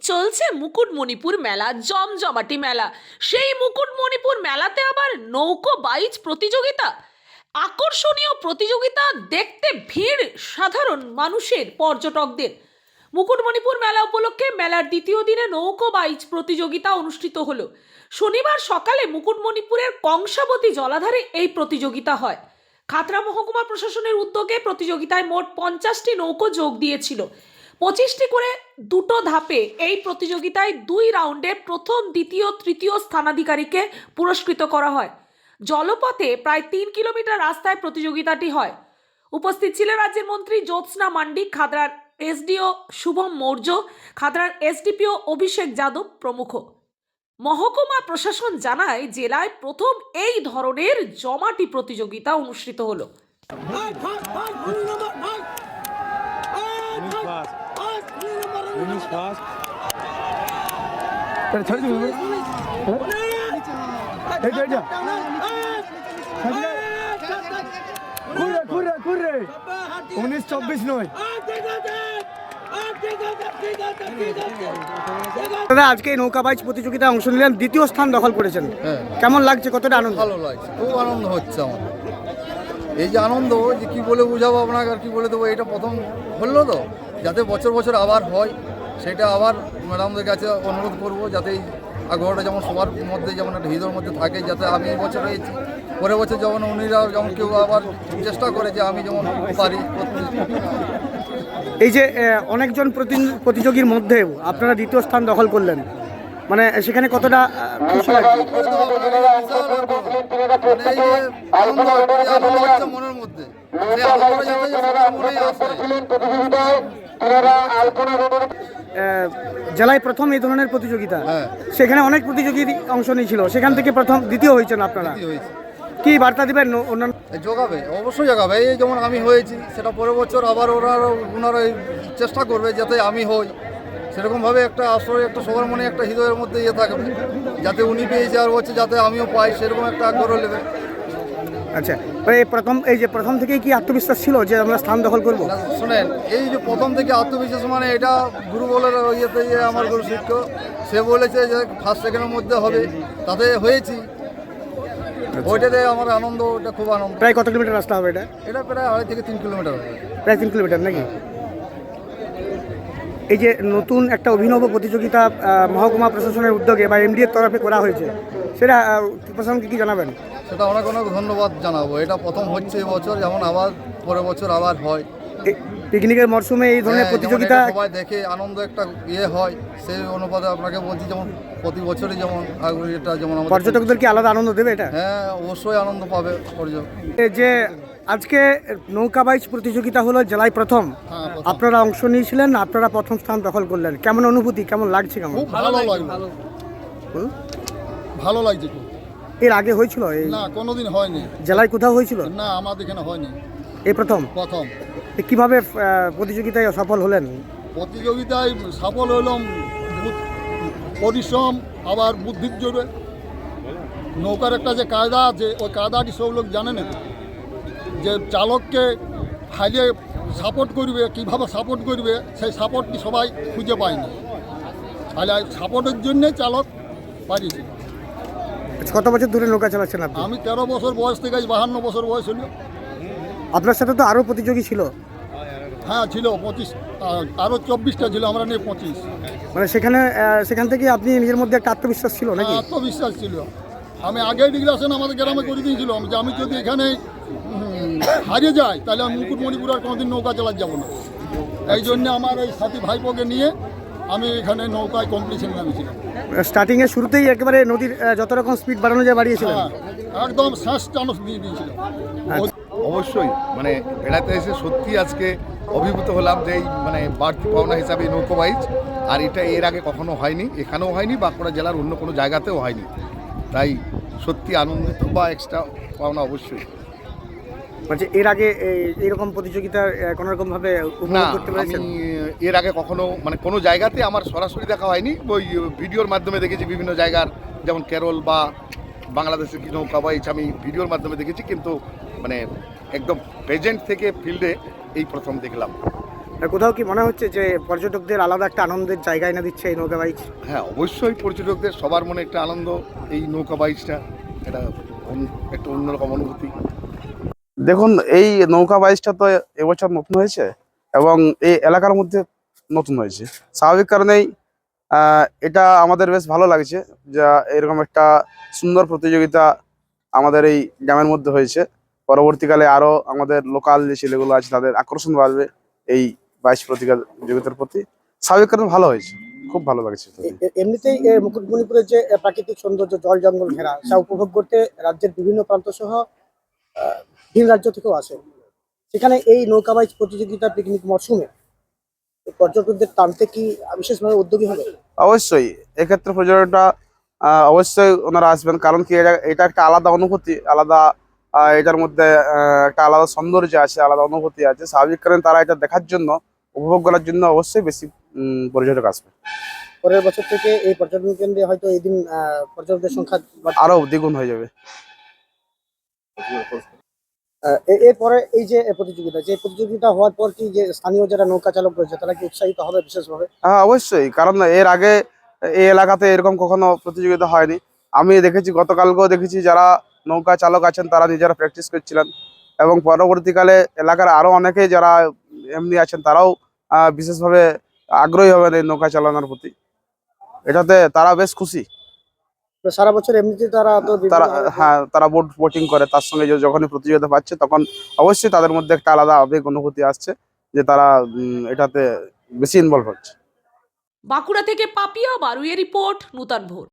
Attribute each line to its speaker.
Speaker 1: চলছে মুকুটমণিপুর মেলা, জমজমাটি মেলা। সেই মুকুটমণিপুর মেলাতে আবার নৌকো বাইচ প্রতিযোগিতা। আকর্ষণীয় প্রতিযোগিতা দেখতে ভিড় সাধারণ মানুষের, পর্যটকদের। মুকুটমণিপুর মেলা উপলক্ষে মেলার দ্বিতীয় দিনে নৌকো বাইচ প্রতিযোগিতা অনুষ্ঠিত হলো। শনিবার সকালে মুকুটমণিপুরের কংসাবতী জলাধারে এই প্রতিযোগিতা হয়। খাতড়া মহকুমা প্রশাসনের উদ্যোগে প্রতিযোগিতায় মোট 50টি নৌকো যোগ দিয়েছিল। 25টি করে দুটো ধাপে এই প্রতিযোগিতায় 2 রাউন্ডে প্রথম, দ্বিতীয়, তৃতীয় স্থানাধিকারীকে পুরস্কৃত করা হয়। জলপথে প্রায় 3 কিলোমিটার রাস্তায় প্রতিযোগিতাটি হয়। উপস্থিত ছিলেন রাজ্যের মন্ত্রী জ্যোৎস্না মান্ডি, খাতড়ার এসডিও শুভম মৌর্য, খাতড়ার এসডিপিও অভিষেক যাদব প্রমুখ। মহকুমা প্রশাসন জানায়, জেলায় প্রথম এই ধরনের জমাটি প্রতিযোগিতা অনুষ্ঠিত হলো।
Speaker 2: আজকে এই নৌকা বাইচ প্রতিযোগিতায় অংশ নিলেন, দ্বিতীয় স্থান দখল করেছেন। কেমন লাগছে, কতটা আনন্দ?
Speaker 3: ভালো লাগছে, খুব আনন্দ হচ্ছে আমার। এই যে আনন্দ, যে কি বলে বুঝাবো আপনাকে, আর কি বলে দেবো, এটা প্রথম হলো তো, যাতে বছর বছর আবার হয়, সেটা আবার ম্যাডামদের কাছে অনুরোধ করব, যাতে এই আগ্রহটা যেমন সবার মধ্যে, যেমন একটা হৃদয়ের মধ্যে থাকে, যাতে আমি এই বছর হয়েছি, পরের বছর যেমন উনিরা যেমন কেউ আবার চেষ্টা করে যে আমি যেমন পারি করতে।
Speaker 2: এই যে অনেকজন প্রতিযোগীর মধ্যে আপনারা দ্বিতীয় স্থান দখল করলেন, মানে সেখানে কতটা খুশি লাগছে?
Speaker 3: মনের মধ্যে
Speaker 2: জেলায় প্রথম এই ধরনের প্রতিযোগিতা,
Speaker 3: হ্যাঁ।
Speaker 2: সেখানে অনেক প্রতিযোগী অংশ নিয়েছিল, সেখান থেকে প্রথম, দ্বিতীয় হয়েছেন আপনারা। কি বার্তা দিবেন অন্যান্য?
Speaker 3: যোগাবে, অবশ্যই যোগাবে। এই যেমন আমি হয়েছি, সেটা পরের বছর আবার ওনারা চেষ্টা করবে যাতে আমি হই। সেরকমভাবে একটা আসলে একটা সবার মনে একটা হৃদয়ের মধ্যে ইয়ে থাকবে, যাতে উনি পেয়েছে আর হচ্ছে যাতে আমিও পাই, সেরকম একটা আগ্রহ নেবে।
Speaker 2: আচ্ছা, এই যে প্রথম থেকেই কি আত্মবিশ্বাস ছিল যে আমরা স্থান দখল করবো?
Speaker 3: শোনেন, এই যে প্রথম থেকে আত্মবিশ্বাস, মানে এটা গুরু বলার ইয়েতে আমার গুরু শিক্ষক, সে বলেছে যে ফার্স্ট সেকেন্ডের মধ্যে হবে, তাতে হয়েছি। ওইটাতে আমার আনন্দ, ওটা খুব আনন্দ।
Speaker 2: প্রায় কত কিলোমিটার রাস্তা হবে এটা?
Speaker 3: এটা প্রায় 2.5 থেকে 3 কিলোমিটার হবে।
Speaker 2: প্রায় 3 কিলোমিটার নাকি? এই যে নতুন একটা অভিনব প্রতিযোগিতা মহকুমা প্রশাসনের উদ্যোগে বা এমডি এর তরফে করা হয়েছে, সেটা প্রশাসনকে কি জানাবেন?
Speaker 3: সেটা অনেক অনেক ধন্যবাদ জানাবো। এটা প্রথম হচ্ছে এবছর, যেমন আবার পরের বছর আবার হয়।
Speaker 2: পিকনিকের মরশুমে এই ধরনের প্রতিযোগিতা
Speaker 3: সবাই দেখে আনন্দ একটা ইয়ে হয়, সেই অনুপাতে আপনাকে বলছি, যেমন প্রতি বছরই যেমন এটা যেমন
Speaker 2: পর্যটকদের কি আলাদা আনন্দ দেবে এটা?
Speaker 3: হ্যাঁ, অবশ্যই আনন্দ পাবে পর্যটক।
Speaker 2: যে আজকে নৌকা বাইচ প্রতিযোগিতা হলো জেলায় প্রথম, আপনারা অংশ নিয়েছিলেন, আপনারা প্রথম স্থান দখল করলেন, কেমন অনুভূতি, কেমন লাগছে? কেমন?
Speaker 3: খুব ভালো লাগছে, ভালো লাগছে খুব।
Speaker 2: এর আগে হয়েছিল?
Speaker 3: না, কোনোদিন হয়নি।
Speaker 2: জেলায় কোথাও হয়েছিল
Speaker 3: না, আমাদের এখানে হয়নি,
Speaker 2: এই প্রথম। কিভাবে প্রতিযোগিতায় সফল হলেন?
Speaker 3: প্রতিযোগিতায় সফল হলাম পরিশ্রম, আবার বুদ্ধির জোরে। নৌকার একটা যে কায়দা আছে, ওই কায়দাটি সব লোক জানে না, যে চালককে হাইলে সাপোর্ট করবে, কীভাবে সাপোর্ট করবে, সেই সাপোর্টটি সবাই খুঁজে পায়নি। তাহলে সাপোর্টের জন্যে চালক পারিয়েছে।
Speaker 2: কত বছর ধরে নৌকা চালাচ্ছেন আপনি?
Speaker 3: আমি 13 বছর বয়স থেকে 52 বছর বয়স হলো।
Speaker 2: আপনার সাথে তো আরও প্রতিযোগী ছিল?
Speaker 3: হ্যাঁ ছিল, 25, আরও 24টা ছিল, আমরা নিয়ে 25।
Speaker 2: মানে সেখান থেকে আপনি নিজের মধ্যে একটা আত্মবিশ্বাস ছিল নাকি?
Speaker 3: আত্মবিশ্বাস ছিল। আমি আগে ডিক্লারেশন আমাদের গ্রামে করে দিয়েছিলাম যে আমি যদি এখানে হারিয়ে যাই, তাহলে আমি মুকুটমণিপুর আর কোনোদিন নৌকা চালাতে যাবো না। এই জন্য আমার এই সাথী ভাইপোকে নিয়ে আমি এখানে নৌকায় কম্পিটিশন নামিয়েছিলাম।
Speaker 2: স্টার্টিংয়ে শুরুতেই একেবারে নদীর যত রকম স্পিড বাড়ানো যায় বাড়িয়েছিলেন?
Speaker 3: একদম শেষ চানস দিয়ে দিয়েছিলাম।
Speaker 4: অবশ্যই, মানে বেড়াতে এসে সত্যি আজকে অভিভূত হলাম যে এই মানে বাড়তি পাওনা হিসাবে নৌকো বাইচ, আর এটা এর আগে কখনো হয়নি, এখানেও হয়নি, বাঁকুড়া জেলার অন্য কোনো জায়গাতেও হয়নি। তাই সত্যি আনন্দিত বা এক্সট্রা পাওনা অবশ্যই।
Speaker 2: মানে এর আগে এইরকম প্রতিযোগিতা কোনো রকমভাবে উপভোগ করতে পেরেছেন?
Speaker 4: আমি এর আগে কখনো মানে কোনো জায়গাতে আমার সরাসরি দেখা হয়নি, ওই ভিডিওর মাধ্যমে দেখেছি বিভিন্ন জায়গার, যেমন কেরল বা বাংলাদেশের কি নৌকা বাইচ আমি ভিডিওর মাধ্যমে দেখেছি, কিন্তু মানে একদম প্রেজেন্ট থেকে ফিল্ডে এই প্রথম দেখলাম।
Speaker 2: আর কোথাও কি মনে হচ্ছে যে পর্যটকদের আলাদা একটা আনন্দের জায়গা এনে দিচ্ছে এই নৌকা বাইচ?
Speaker 4: হ্যাঁ, অবশ্যই পর্যটকদের সবার মনে একটা আনন্দ, এই নৌকা বাইচটা এটা একটা অন্যরকম অনুভূতি।
Speaker 5: দেখুন, এই নৌকা বাইচটা তো এবছর নতুন হয়েছে এবং এই এলাকার মধ্যে নতুন হয়েছে। স্বাভাবিক কারণেই এটা আমাদের বেশ ভালো লাগছে, যা এরকম একটা সুন্দর প্রতিযোগিতা আমাদের এই গ্রামের মধ্যে হয়েছে। পরবর্তীকালে আরো আমাদের লোকাল যে ছেলেগুলো আছে তাদের আকর্ষণ বাড়বে এই বাইচ প্রতিযোগিতার প্রতি। স্বাভাবিক কারণে ভালো হয়েছে, খুব ভালো লাগছে।
Speaker 2: এমনিতেই মুকুটমণিপুরের যে প্রাকৃতিক সৌন্দর্য, জল জঙ্গল ঘেরা, তা উপভোগ করতে রাজ্যের বিভিন্ন প্রান্ত সহ ভিন রাজ্য থেকেও আসে। সেখানে এই নৌকা বাইচ প্রতিযোগিতা পিকনিক মরশুমে পর্যটকদের টানতে কি বিশেষভাবে উদ্যোগী হবে?
Speaker 5: অবশ্যই এক্ষেত্রে পর্যটকরা অবশ্যই ওনারা আসবেন, কারণ কি এটা একটা আলাদা অনুভূতি, আলাদা এটার মধ্যে একটা আলাদা সৌন্দর্য আছে, আলাদা অনুভূতি আছে। স্বাভাবিক কারণে তারা এটা দেখার জন্য, উপভোগ করার জন্য অবশ্যই বেশি পর্যটক আসবে।
Speaker 2: পরের বছর থেকে এই পর্যটন কেন্দ্রে হয়তো এই দিন পর্যটকদের সংখ্যা
Speaker 5: আরো দ্বিগুণ হয়ে যাবে।
Speaker 2: এরপরে এই যে প্রতিযোগিতা হওয়ার পর কি যে স্থানীয় যারা নৌকা চালক রয়েছে তারা কি উৎসাহিত হবে বিশেষভাবে?
Speaker 5: হ্যাঁ, অবশ্যই, কারণ এর আগে এই এলাকাতে এরকম কখনো প্রতিযোগিতা হয়নি। আমি দেখেছি, গতকালকেও দেখেছি যারা নৌকা চালক আছেন তারা নিজেরা প্র্যাকটিস করছিলেন, এবং পরবর্তীকালে এলাকার আরো অনেকে যারা এমনি আছেন তারাও বিশেষভাবে আগ্রহী হবেন এই নৌকা চালানোর প্রতি। এটাতে তারা বেশ খুশি।
Speaker 2: তো সারা বছর এমনিতে তারা তো
Speaker 5: তারা, হ্যাঁ, তারা বোটিং করে, তার সঙ্গে যখনই প্রতিযোগিতা পাচ্ছে তখন অবশ্যই তাদের মধ্যে একটা আলাদা আবেগ অনুভূতি আসছে যে তারা এটাতে বেশি ইনভলভ হচ্ছে।
Speaker 1: বাঁকুড়া থেকে পাপিয়া বারুইয়ের রিপোর্ট, নূতন ভোর।